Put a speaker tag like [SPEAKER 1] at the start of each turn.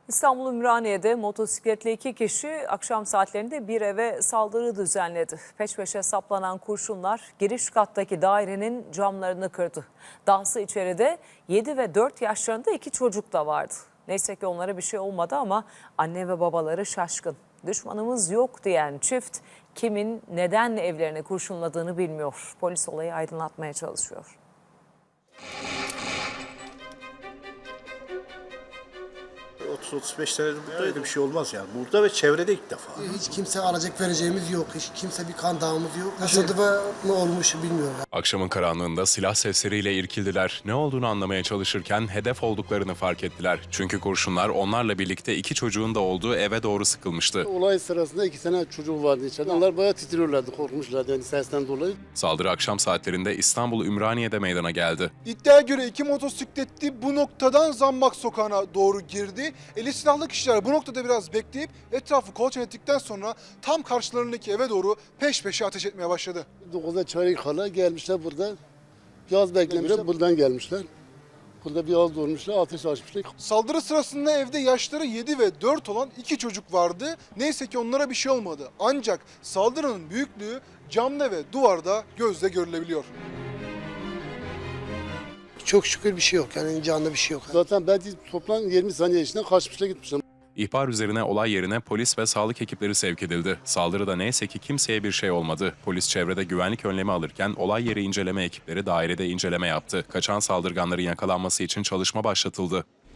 [SPEAKER 1] İstanbul Ümraniye'de motosikletli iki kişi akşam saatlerinde bir eve saldırı düzenledi. Peş peşe saplanan kurşunlar giriş kattaki dairenin camlarını kırdı. Dahası içeride 7 ve 4 yaşlarında iki çocuk da vardı. Neyse ki onlara bir şey olmadı ama anne ve babaları şaşkın. Düşmanımız yok diyen çift kimin neden evlerini kurşunladığını bilmiyor. Polis olayı aydınlatmaya çalışıyor.
[SPEAKER 2] 30-35 senedir burada öyle bir şey olmaz yani. Burada ve çevrede ilk defa.
[SPEAKER 3] Hiç kimse alacak vereceğimiz yok. Hiç kimse bir kan dağımız yok. Tesadüfe ne olmuş bilmiyorum.
[SPEAKER 4] Akşamın karanlığında silah sesleriyle irkildiler. Ne olduğunu anlamaya çalışırken hedef olduklarını fark ettiler. Çünkü kurşunlar onlarla birlikte iki çocuğun da olduğu eve doğru sıkılmıştı.
[SPEAKER 5] Olay sırasında 2 tane çocuğu vardı içeride. Onlar bayağı titriyorlardı, korkmuşlardı yani sesten dolayı.
[SPEAKER 4] Saldırı akşam saatlerinde İstanbul Ümraniye'de meydana geldi.
[SPEAKER 6] İddiaya göre iki motosikletli bu noktadan Zambak Sokağı'na doğru girdi. Eli silahlı kişiler bu noktada biraz bekleyip etrafı kolaçan ettikten sonra tam karşılarındaki eve doğru peş peşe ateş etmeye başladı.
[SPEAKER 5] 9'da çeyrek kala gelmişler burada. Yaz beklemişler, buradan gelmişler. Burada bir az durmuşlar, ateş açmışlar.
[SPEAKER 6] Saldırı sırasında evde yaşları 7 ve 4 olan iki çocuk vardı. Neyse ki onlara bir şey olmadı. Ancak saldırının büyüklüğü camda ve duvarda gözle görülebiliyor.
[SPEAKER 3] Çok şükür bir şey yok. Yani canlı bir şey yok.
[SPEAKER 5] Zaten belki toplam 20 saniye içinde kaçmışlar gitmişler.
[SPEAKER 4] İhbar üzerine olay yerine polis ve sağlık ekipleri sevk edildi. Saldırıda neyse ki kimseye bir şey olmadı. Polis çevrede güvenlik önlemi alırken olay yeri inceleme ekipleri dairede inceleme yaptı. Kaçan saldırganların yakalanması için çalışma başlatıldı.